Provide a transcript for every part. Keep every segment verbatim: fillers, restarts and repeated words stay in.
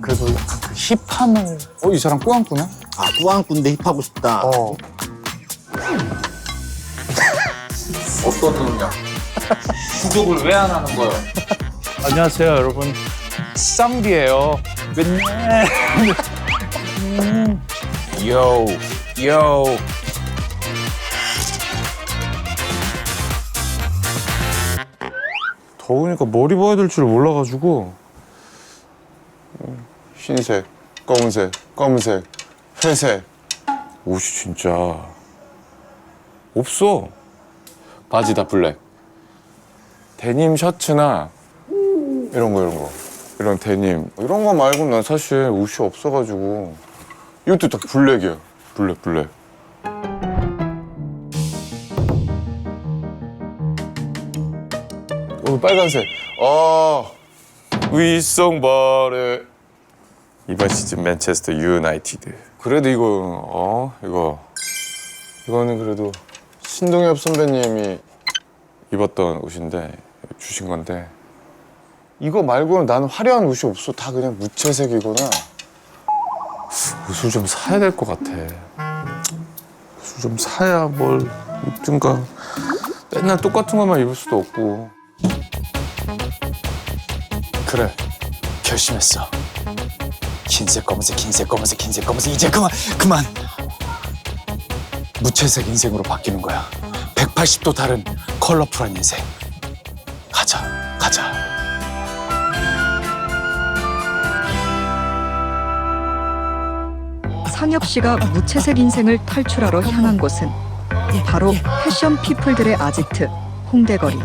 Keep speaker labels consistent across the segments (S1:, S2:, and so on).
S1: 그래도 약간 그 힙함을 어? 이 사람 꾸안꾸네?
S2: 아, 꾸안꾸인데 힙하고 싶다.
S1: 어. 어떤 놈이야? 구독을 왜 안 하는 거야? 안녕하세요 여러분, 쌍비예요. 맨날 음. 요, 요.
S3: 더우니까 머리 봐야 될 줄 몰라가지고 흰색, 검은색, 검은색, 회색 옷이 진짜 없어. 바지 다 블랙. 데님 셔츠나 이런 거 이런 거 이런 데님 이런 거 말고 난 사실 옷이 없어가지고 이것도 다 블랙이야. 블랙 블랙. 오, 빨간색. 아, 위성바레. 이번 시즌 맨체스터 유나이티드. 그래도 이거, 어, 이거. 이거는 그래도 신동엽 선배님이 입었던 옷인데, 주신 건데. 이거 말고는 나는 화려한 옷이 없어. 다 그냥 무채색이거나. 옷을 좀 사야 될 것 같아. 옷을 좀 사야 뭘 입든가. 맨날 똑같은 것만 입을 수도 없고.
S1: 그래, 결심했어. 흰색, 검은색, 흰색, 검은색, 흰색, 검은색. 이제 그만, 그만. 무채색 인생으로 바뀌는 거야. 백팔십 도 다른 컬러풀한 인생. 가자, 가자.
S4: 상엽 씨가 무채색 인생을 탈출하러 향한 곳은 바로 패션 피플들의 아지트 홍대거리.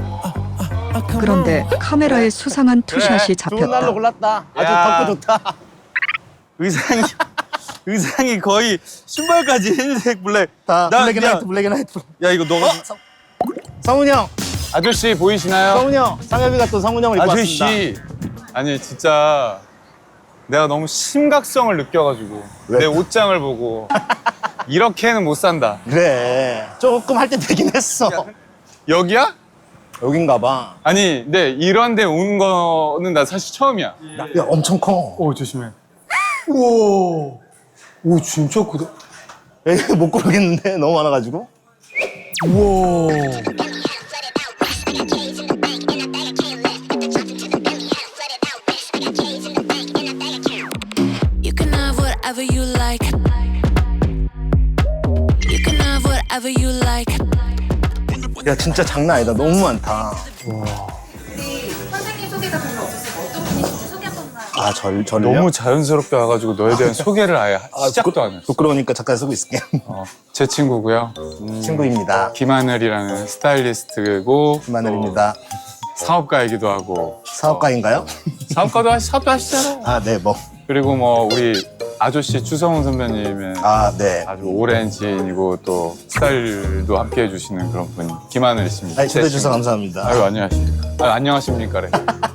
S4: 그런데 카메라에 수상한 투샷이
S2: 좋은 날로
S4: 잡혔다.
S2: 골랐다. 아주
S5: 야.
S2: 덥고 좋다.
S5: 의상이 의상이 거의 신발까지 흰색 블랙.
S2: 다
S5: 나
S2: 블랙 앤
S5: 그냥-
S2: 화이트, 블랙 앤 화이트.
S5: 야 이거 너가
S2: 성훈이 형,
S1: 아저씨 보이시나요?
S2: 성훈이 형. 상엽이가 또 성훈이 형을 입고 왔습니다.
S3: 아저씨. 아니, 진짜 내가 너무 심각성을 느껴가지고
S2: 왜?
S3: 내 옷장을 보고 이렇게는 못 산다.
S2: 그래. 조금 할 때 되긴 했어.
S3: 여기야?
S2: 여긴가 봐.
S3: 아니, 근데 이런 데 온 거는 나 사실 처음이야.
S2: 야, 엄청 커.
S3: 오, 조심해. 우와. 오, 진짜 크다.
S2: 여기 못 고르겠는데 너무 많아가지고.
S3: 우와.
S6: You can have whatever you like. You can have whatever you like.
S2: 야, 진짜 장난 아니다. 너무 많다.
S7: 선생님 소개가 별로 없었어요. 어떤 분이신지 소개 한 번만.
S2: 아, 절, 저를요?
S3: 너무 자연스럽게 와가지고 너에 대한 소개를 아예
S2: 아,
S3: 시작도
S2: 부끄-
S3: 안 했어.
S2: 부끄러우니까 잠깐 쓰고 있을게.
S3: 어, 제 친구고요.
S2: 친구입니다.
S3: 김하늘이라는 스타일리스트고
S2: 김하늘입니다.
S3: 또 사업가이기도 하고.
S2: 사업가인가요?
S3: 사업가도 하시, 사업도 하시잖아요.
S2: 아, 네, 뭐.
S3: 그리고 뭐 우리 아저씨 추성훈 선배님의
S2: 아, 네.
S3: 아주 오랜 지인이고 또 스타일도 함께 해주시는 그런 분 김하늘 씨입니다.
S2: 아니, 초대해
S3: 제
S2: 주셔서
S3: 친구.
S2: 감사합니다.
S3: 아유, 안녕하십니까. 아유, 안녕하십니까래.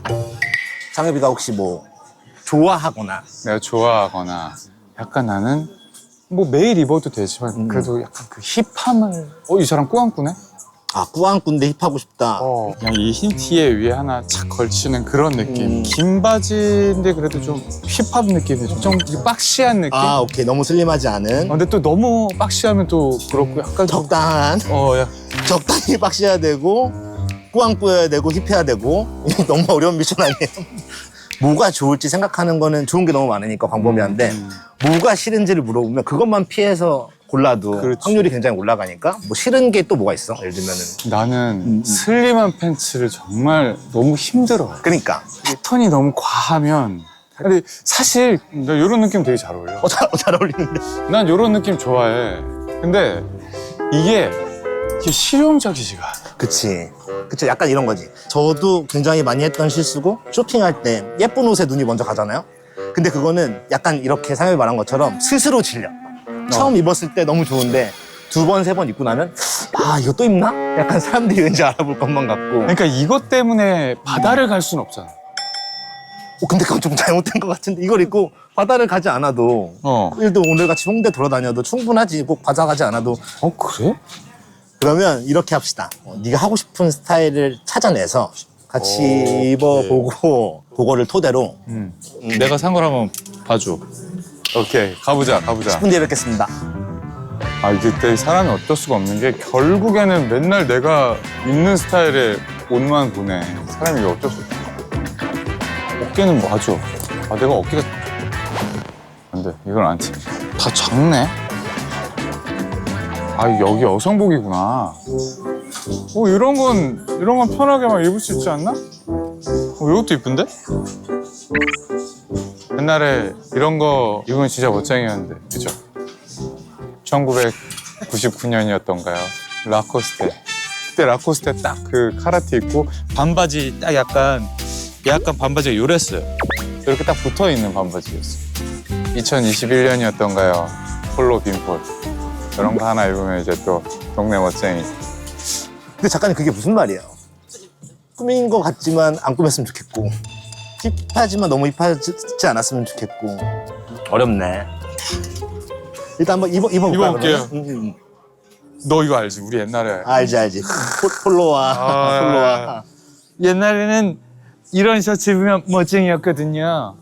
S2: 상엽이가 혹시 뭐 좋아하거나
S3: 내가 좋아하거나 약간 나는 뭐 매일 입어도 되지만 그래도 약간 그 힙함을 어, 이 사람 꾸안꾸네?
S2: 아, 꾸안꾸인데 힙하고 싶다.
S3: 어, 그냥 이 흰 티에 위에 하나 착 걸치는 그런 느낌.
S2: 음.
S3: 긴 바지인데 그래도 좀 힙합 느낌이 좀, 좀 이렇게 박시한 느낌?
S2: 아, 오케이. 너무 슬림하지 않은
S3: 어, 근데 또 너무 박시하면 또 그렇고 약간 좀
S2: 적당한
S3: 어, 야,
S2: 적당히 박시해야 되고 꾸안꾸여야 되고 힙해야 되고 이게 너무 어려운 미션 아니에요? 뭐가 좋을지 생각하는 거는 좋은 게 너무 많으니까 광범위한데
S3: 음.
S2: 뭐가 싫은지를 물어보면 그것만 피해서 골라도
S3: 그렇지.
S2: 확률이 굉장히 올라가니까 뭐 싫은 게 또 뭐가 있어? 예를 들면은
S3: 나는
S2: 음.
S3: 슬림한 팬츠를 정말 너무 힘들어.
S2: 그러니까
S3: 패턴이 너무 과하면. 근데 사실 나 이런 느낌 되게 잘 어울려.
S2: 어, 잘, 잘 어울리는데
S3: 난 이런 느낌 좋아해. 근데 이게, 이게 실용적이지가 않아.
S2: 그치 그치 약간 이런 거지. 저도 굉장히 많이 했던 실수고 쇼핑할 때 예쁜 옷에 눈이 먼저 가잖아요. 근데 그거는 약간 이렇게 상엽이 말한 것처럼 스스로 질려. 처음 입었을 때 너무 좋은데 두 번, 세 번 입고 나면 아, 이거 또 입나? 약간 사람들이 왠지 알아볼 것만 같고.
S3: 그러니까 이것 때문에 바다를 갈 수는 없잖아.
S2: 어, 근데 그건 좀 잘못된 것 같은데 이걸 입고 바다를 가지 않아도
S3: 어.
S2: 예를 들어 오늘같이 홍대 돌아다녀도 충분하지. 꼭 바다 가지 않아도.
S3: 어, 그래?
S2: 그러면 이렇게 합시다. 어, 네가 하고 싶은 스타일을 찾아내서 같이
S3: 오,
S2: 입어보고 그거를 토대로
S5: 음. 내가 산 걸 한번 봐줘.
S3: 오케이 가보자 가보자.
S2: 십 분 뒤에 뵙겠습니다.
S3: 아 이게 사람이 어쩔 수가 없는 게 결국에는 맨날 내가 입는 스타일의 옷만 보네. 사람이 이게 어쩔 수 없어. 어깨는 맞아. 아 내가 어깨가 안 돼. 이걸 안 치. 다 작네. 아 여기 여성복이구나. 어 이런 건 이런 건 편하게 막 입을 수 있지 않나? 어 이것도 이쁜데? 옛날에 이런 거 입으면 진짜 멋쟁이였는데 그죠? 천구백구십구 년이었던가요? 라코스테. 그때 라코스테 딱 그 카라테 입고
S5: 반바지 딱 약간 약간 반바지가 요랬어요.
S3: 이렇게 딱 붙어 있는 반바지였어. 이천이십일 년이었던가요? 폴로 빈폴. 이런 거 하나 입으면 이제 또 동네 멋쟁이.
S2: 근데 작가님 그게 무슨 말이에요? 꾸민 것 같지만 안 꾸몄으면 좋겠고 힙하지만 너무 힙하지 않았으면 좋겠고 어렵네. 일단 한번 입어, 입어볼까요?
S3: 입어볼게요.
S2: 그러면? 음, 음.
S3: 너 이거 알지? 우리 옛날에
S2: 알지 알지. 폴, 폴로와
S3: 아,
S2: 폴로와
S5: 옛날에는 이런 셔츠 입으면 멋쟁이였거든요.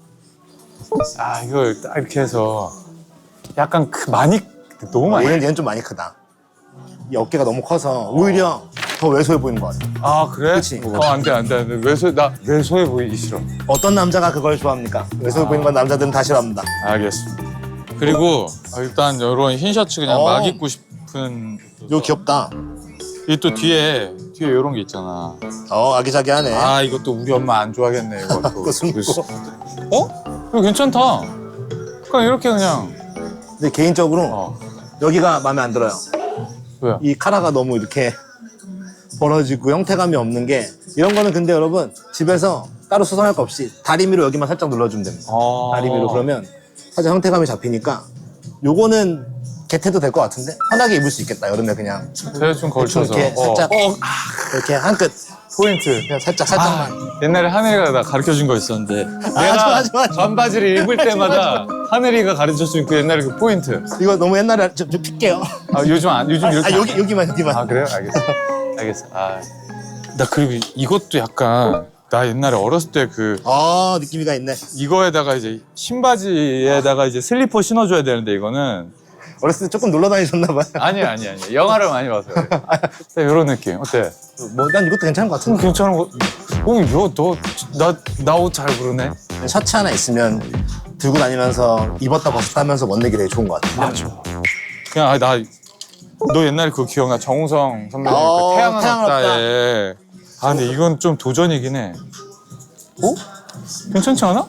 S3: 아 이걸 딱 이렇게 해서 약간 그 많이 너무 많이.
S2: 얘는, 얘는 좀 많이 크다. 이 어깨가 너무 커서 오히려 더 왜소해 보이는 것 같아.
S3: 아 그래?
S2: 그치.
S3: 어 안돼 안돼 안돼. 왜소 나 왜소해 보이기 싫어.
S2: 어떤 남자가 그걸 좋아합니까? 왜소해 보이는 건 남자들은 다 싫어합니다.
S3: 알겠습니다.
S5: 그리고 아, 일단 이런 흰 셔츠 그냥
S2: 어.
S5: 막 입고 싶은.
S2: 이거 귀엽다.
S5: 이 또 뒤에 뒤에 이런 게 있잖아.
S2: 어 아기자기하네.
S5: 아 이것도 우리 엄마 안 좋아하겠네 이것도.
S2: 그거 숨고.
S5: 어? 이거 괜찮다. 그냥 이렇게 그냥.
S2: 근데 개인적으로
S5: 어.
S2: 여기가 마음에 안 들어요.
S3: 왜요?
S2: 이 카라가 너무 이렇게 벌어지고 형태감이 없는 게 이런 거는 근데 여러분 집에서 따로 수선할 거 없이 다리미로 여기만 살짝 눌러주면 됩니다.
S5: 어.
S2: 다리미로 그러면 살짝 형태감이 잡히니까 요거는 개태도 될 것 같은데 편하게 입을 수 있겠다 여름에 그냥
S3: 대충 걸쳐서.
S2: 이렇게
S3: 어.
S2: 살짝 이렇게 한 끝
S3: 포인트.
S2: 그냥 살짝 살짝만
S3: 옛날에 하늘이가 나
S5: 가르쳐 준 거 있었는데
S2: 하지 마, 하지 마, 하지 마.
S3: 반바지를 입을 때마다 하늘이가 가르쳐준 그 옛날에 그 포인트.
S2: 이거 너무 옛날에 좀, 좀 픽게요.
S3: 아 요즘 안 요즘 이렇게.
S2: 아
S3: 안
S2: 여기
S3: 해.
S2: 여기만 여기만.
S3: 아 그래요? 알겠어. 알겠어. 아
S5: 나 그리고 이것도 약간 나 옛날에 어렸을 때 그
S2: 아 느낌이가 있네.
S5: 이거에다가 이제 신바지에다가 이제 슬리퍼 신어줘야 되는데 이거는
S2: 어렸을 때 조금 놀러 다니셨나 봐요.
S3: 아니 아니 아니. 영화를 많이 봐서. 그래. 이런 느낌. 어때?
S2: 뭐 난 이것도 괜찮은 것
S3: 음,
S2: 같은데.
S3: 괜찮은 거. 어, 너나나 옷 잘 부르네.
S2: 셔츠 하나 있으면 들고 다니면서 입었다 벗었다 하면서 멋내기 되게 좋은 것 같아요.
S3: 맞아. 그냥 아, 나 너 옛날에 그거 기억나? 정우성 선배님
S2: 어,
S3: 그 태양은
S2: 태양은
S3: 없다에. 아 근데 이건 좀 도전이긴 해. 어? 괜찮지 않아?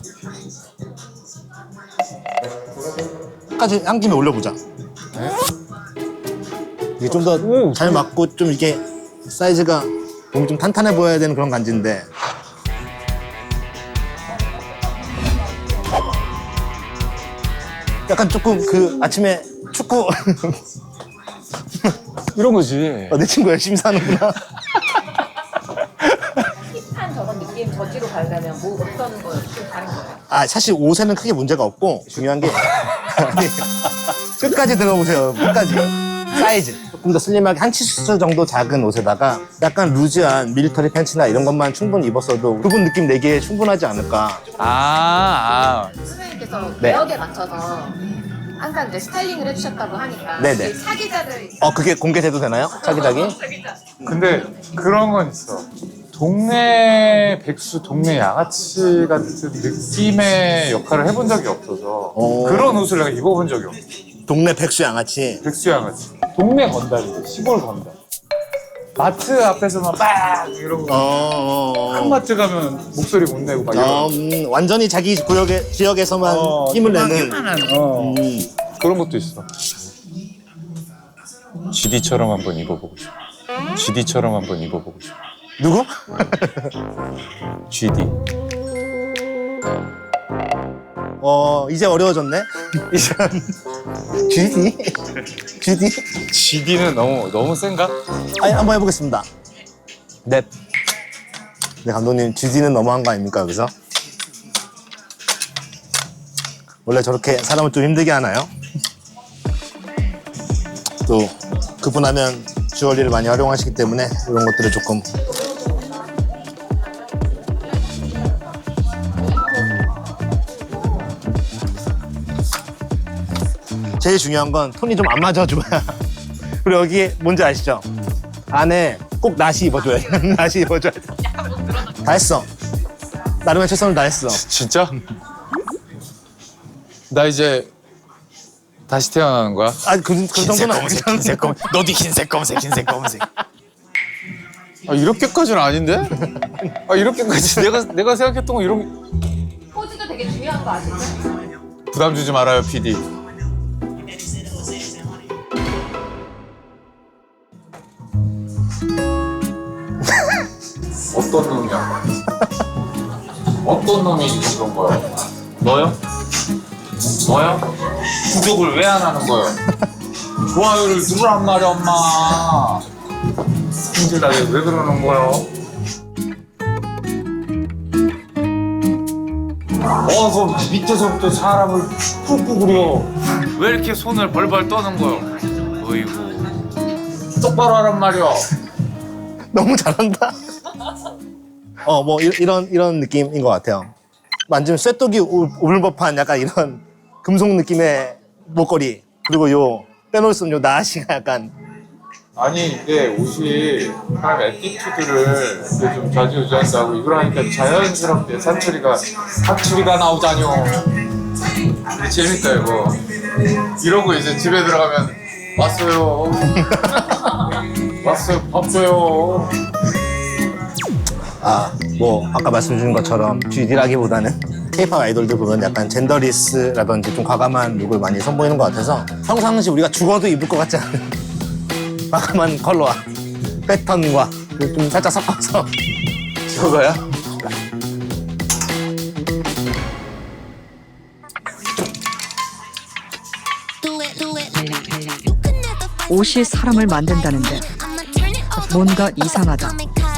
S2: 끝까지 한 김에 올려보자. 이게 좀 더 잘 맞고 좀 이게 사이즈가 몸이 좀 탄탄해 보여야 되는 그런 간지인데 약간 조금 그 아침에 축구
S3: 이런 거지.
S2: 어, 내 친구 열심히 사는구나.
S7: 힙한 저런 느낌 저지로 가려면 뭐 어떤 거 좀 다른 거예요?
S2: 아 사실 옷에는 크게 문제가 없고 중요한 게 아니, 끝까지 들어보세요. 끝까지 사이즈 조금 더 슬림하게 한 치수 정도 작은 옷에다가 약간 루즈한 밀리터리 팬츠나 이런 것만 충분히 입었어도 그분 느낌 내기에 충분하지 않을까.
S5: 아, 아.
S7: 선생님께서
S2: 네.
S7: 매력에 맞춰서 항상 이제 스타일링을 해주셨다고 하니까
S2: 네네.
S7: 이 사기자들
S2: 어 그게 공개돼도 되나요? 차기자기?
S7: 사기자
S3: 근데 그런 건 있어. 동네 백수, 동네 양아치 같은 느낌의 역할을 해본 적이 없어서
S2: 오.
S3: 그런 옷을 내가 입어본 적이 없어.
S2: 동네 백수 양아치.
S3: 백수 양아치. 동네 건달이지, 시골 건달. 마트 앞에서만 막 이러고
S2: 어, 어, 어.
S3: 큰 마트 가면 목소리 못 내고 막
S2: 어,
S3: 이런
S2: 음, 완전히 자기 구역에, 지역에서만
S3: 어,
S2: 힘을 내는.
S3: 어.
S2: 음.
S3: 그런 것도 있어. 지디처럼 한번 입어보고 싶어. 지디처럼 한번 입어보고 싶어.
S2: 누구?
S3: 지디.
S2: 어 이제 어려워졌네. 이제 쥐디? 쥐디?
S3: 지디는 너무 너무 센가?
S2: 아니 한번 해보겠습니다. 네. 네 감독님 쥐디는 너무한 거 아닙니까 여기서? 원래 저렇게 사람을 좀 힘들게 하나요? 또 그분하면 주얼리를 많이 활용하시기 때문에 이런 것들을 조금 제일 중요한 건 톤이 좀 안 맞아줘야. 그리고 여기 뭔지 아시죠? 안에 꼭 나시 입어줘야 돼. 나시 입어줘야 돼. 다 했어. 나름의 최선을 다했어.
S5: 진짜? 나 이제 다시 태어나는 거야?
S2: 아, 그, 그
S1: 흰색
S2: 정도는
S1: 검은색
S2: 아니잖아.
S1: 흰색 검은 너도 흰색 검은색 흰색 검은색.
S5: 아, 이렇게까지는 아닌데? 아, 이렇게까지 내가 내가 생각했던 거 이런
S7: 포즈도 되게 중요한 거 아시죠?
S5: 부담 주지 말아요, 피디. 어떤 놈이야? 어떤 놈이 그런 거야? 너요? 너요? 구독을 왜 안 하는 거예요? 좋아요를 누르란 말이야, 엄마. 힘들다게 왜 그러는 거예요? 어서 밑에서부터 사람을 꾹꾹 그려. 왜 이렇게 손을 벌벌 떠는 거예요? 어이구. 똑바로 하란 말이야.
S2: 너무 잘한다. 어, 뭐, 이, 이런, 이런 느낌인 것 같아요. 만지면 쇠독이 울- 울을 법한 약간 이런 금속 느낌의 목걸이. 그리고 요, 빼놓을 수 없는 요 나시가 약간.
S5: 아니 이게 옷이 사람 에티튜드를 이렇게 좀 좌지우지한다고 이걸 하니까 자연스럽게 사투리가 사투리가 나오자뇨. 재밌다 이거. 이러고 이제 집에 들어가면 왔어요. 왔어요. 밥 줘요.
S2: 아, 뭐, 아까 말씀 주신 것처럼 쥐디라기보다는 케이팝 아이돌들 보면 약간 젠더리스라든지 좀 과감한 룩을 많이 선보이는 것 같아서 평상시 우리가 죽어도 입을 것 같지 않은 과감한 컬러와 패턴과 좀 살짝 섞어서
S5: 저거야?
S4: 옷이 사람을 만든다는데 뭔가 이상하다.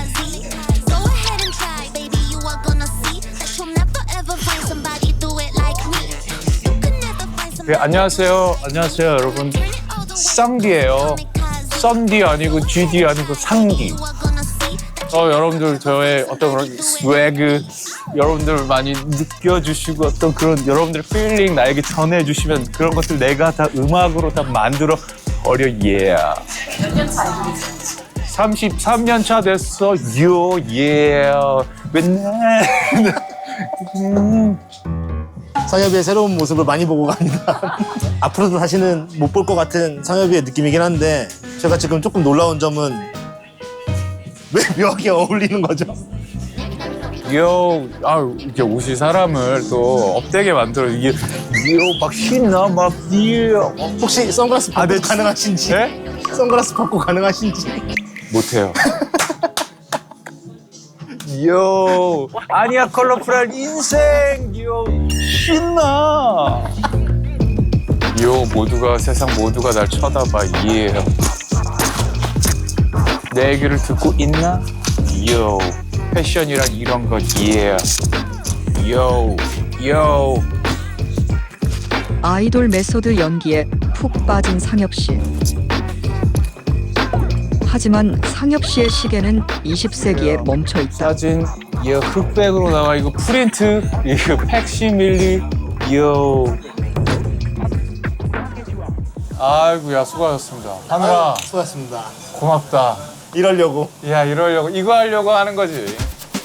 S8: 네, 안녕하세요. 안녕하세요, 여러분. 쌍디예요. 썬디 아니고 쥐디 아니고 상디. 어, 여러분들 저의 어떤 그런 스웨그 여러분들 많이 느껴주시고 어떤 그런 여러분들의 필링 나에게 전해주시면 그런 것들 내가 다 음악으로 다 만들어 버려. 예.
S7: 몇년 차이지?
S8: 삼십삼 년 차 됐어. 요. 예. 맨날. 음.
S2: 상엽이의 새로운 모습을 많이 보고 갑니다. 앞으로도 다시는 못 볼 것 같은 상엽이의 느낌이긴 한데 제가 지금 조금 놀라운 점은 왜 묘하게 어울리는 거죠?
S8: 요, 아, 이렇게 옷이 사람을 또 업되게 만들어. 이게, 요, 막 신나, 막, 이, 어,
S2: 혹시 선글라스 벗고
S8: 아, 네.
S2: 가능하신지?
S8: 네?
S2: 선글라스 벗고 가능하신지?
S8: 못해요. 요, 아니야, 컬러풀한 인생, 요, 신나. 요, 모두가, 세상 모두가 날 쳐다봐, 예. 내 얘기를 듣고 있나? 요, 패션이란 이런 것, 예. 요, 요.
S4: 아이돌 메소드 연기에 푹 빠진 상엽 씨. 하지만 상엽 씨의 시계는 이십 세기에 멈춰 있다.
S8: 사진, 예, 흑백으로 나와. 이거 프린트, 이거 팩시밀리, 요. 아이고야, 수고하셨습니다. 하늘아,
S2: 수고하셨습니다.
S8: 고맙다.
S2: 이러려고.
S8: 야, 이러려고, 이거 하려고 하는 거지.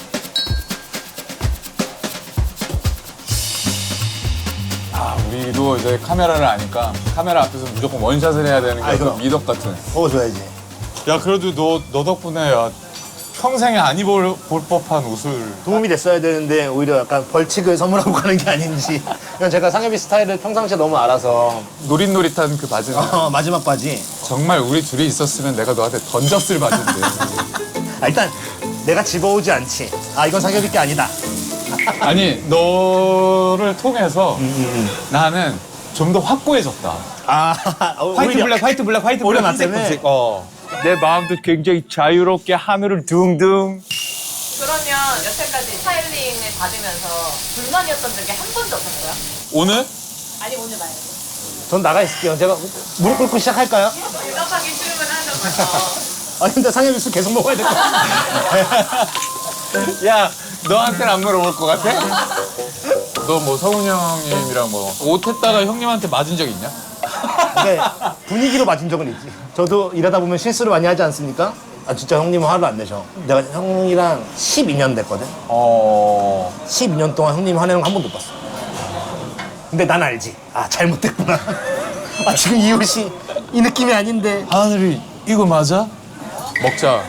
S8: 아, 우리도 이제 카메라를 아니까 카메라 앞에서 무조건 원샷을 해야 되는 게
S2: 아이고.
S8: 어떤 미덕 같은.
S2: 먹어줘야지.
S8: 야, 그래도 너, 너 덕분에 야, 평생에 안 입을 볼 법한 옷을.
S2: 도움이 됐어야 되는데 오히려 약간 벌칙을 선물하고 가는 게 아닌지. 이건 제가 상엽이 스타일을 평상시에 너무 알아서
S8: 노릿노릿한 그 바지는
S2: 어, 마지막 바지.
S8: 정말 우리 둘이 있었으면 내가 너한테 던졌을 바지인데.
S2: 아, 일단 내가 집어오지 않지. 아, 이건 상엽이 게 아니다.
S8: 아니, 너를 통해서 나는 좀 더 확고해졌다.
S2: 아,
S8: 화이트 블랙, 화이트 블랙, 화이트
S2: 오히려
S8: 블랙,
S2: 나
S8: 흰색,
S2: 때문에?
S8: 검색. 어. 내 마음도 굉장히 자유롭게 하늘을 둥둥.
S7: 그러면 여태까지 스타일링을 받으면서 불만이었던 적이 한 번도 없었어요?
S8: 오늘?
S7: 아니 오늘 말고.
S2: 전 나가 있을게요. 제가 무릎 꿇고 시작할까요?
S7: 대답하기 질문하자마자.
S2: 아, 근데 상엽이 술 계속 먹어야 될 것 같아.
S8: 야, 너한테는 안 물어볼 것 같아? 너 뭐 성훈 형님이랑 뭐 옷 했다가 형님한테 맞은 적 있냐?
S2: 근데 분위기로 맞은 적은 있지. 저도 일하다 보면 실수를 많이 하지 않습니까? 아 진짜 형님은 화를 안 내셔. 내가 형이랑 십이 년 됐거든.
S1: 어.
S2: 십이 년 동안 형님 화내는 거 한 번도 못 봤어. 근데 난 알지. 아 잘못됐구나. 아 지금 이 옷이 이 느낌이 아닌데.
S1: 하늘이 이거 맞아?
S8: 먹자.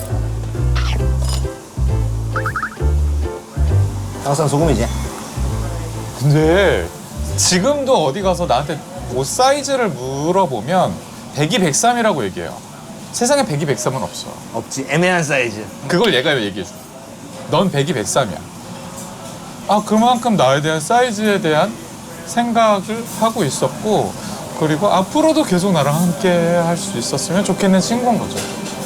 S2: 항상 소금이지.
S8: 근데 지금도 어디 가서 나한테 옷 사이즈를 물어보면 백이 백삼이라고 얘기해요. 세상에 백이 백삼은 없어.
S2: 없지. 애매한 사이즈.
S8: 그걸 얘가 얘기해 줘. 넌 백이 백삼이야. 아, 그만큼 나에 대한 사이즈에 대한 생각을 하고 있었고, 그리고 앞으로도 계속 나랑 함께 할 수 있었으면 좋겠는 친구인 거죠.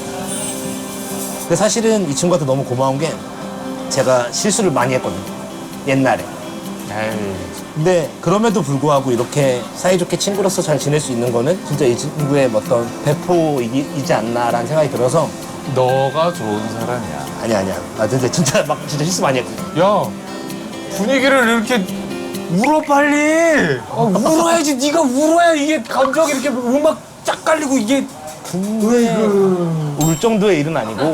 S2: 근데 사실은 이 친구한테 너무 고마운 게 제가 실수를 많이 했거든요. 옛날에.
S8: 에이.
S2: 근데 그럼에도 불구하고 이렇게 사이좋게 친구로서 잘 지낼 수 있는 거는 진짜 이 친구의 어떤 배포이지 않나라는 생각이 들어서
S8: 너가 좋은 사람이야.
S2: 아니야 아니야. 나 진짜 진짜 막 진짜 실수 많이 했거든.
S8: 야, 분위기를 이렇게 울어 빨리. 아, 울어야지. 네가 울어야 이게 감정이 이렇게 음악 쫙 깔리고 이게.
S2: 울 정도의 일은 아니고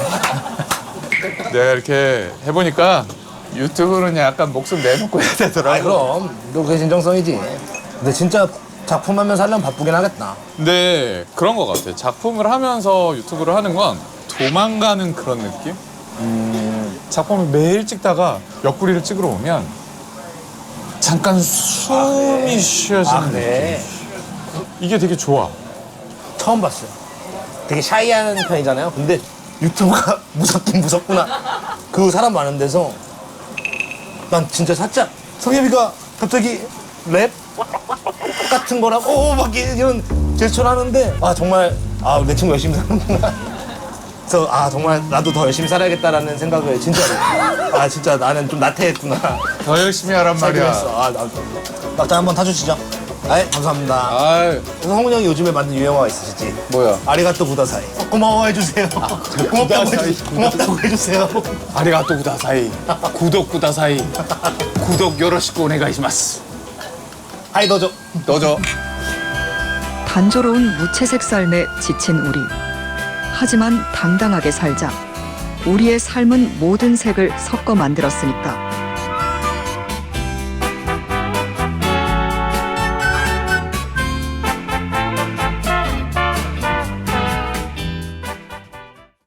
S8: 내가 이렇게 해보니까 유튜브는 약간 목숨 내놓고 해야 되더라고.
S2: 아 그럼 너 그게 진정성이지. 근데 진짜 작품 하면서 하려면 바쁘긴 하겠다.
S8: 근데 그런 것 같아. 작품을 하면서 유튜브를 하는 건 도망가는 그런 느낌? 음, 작품을 매일 찍다가 옆구리를 찍으러 오면 잠깐 숨이 쉬어지는
S2: 아 그래?
S8: 느낌. 이게 되게 좋아.
S2: 처음 봤어요. 되게 샤이한 편이잖아요. 근데 유튜브가 무섭긴 무섭구나. 그 사람 많은 데서 난 진짜 살짝 성엽이가 갑자기 랩 같은 거랑 오막 이런 제스처를 하는데 아 정말 아 내 친구 열심히 사는구나. 그래서 아 정말 나도 더 열심히 살아야겠다라는 생각을 진짜로 아 진짜 나는 좀 나태했구나.
S8: 더 열심히 하란 말이야.
S2: 했어. 아 나도 막자 한번 타주시죠. 아 감사합니다.
S8: 아,
S2: 성훈 형이 요즘에 만든 유행어가 있으시지?
S8: 뭐야?
S2: 아리가또 구다사이. 고마워해주세요. 고맙다고, 해주, 고맙다고 해주세요.
S8: 아리가또 구다사이. 구독 구다사이. 구독 요로시쿠 오네가이시마스.
S2: 하이 더죠.
S8: 너죠?
S4: 단조로운 무채색 삶에 지친 우리. 하지만 당당하게 살자. 우리의 삶은 모든 색을 섞어 만들었으니까.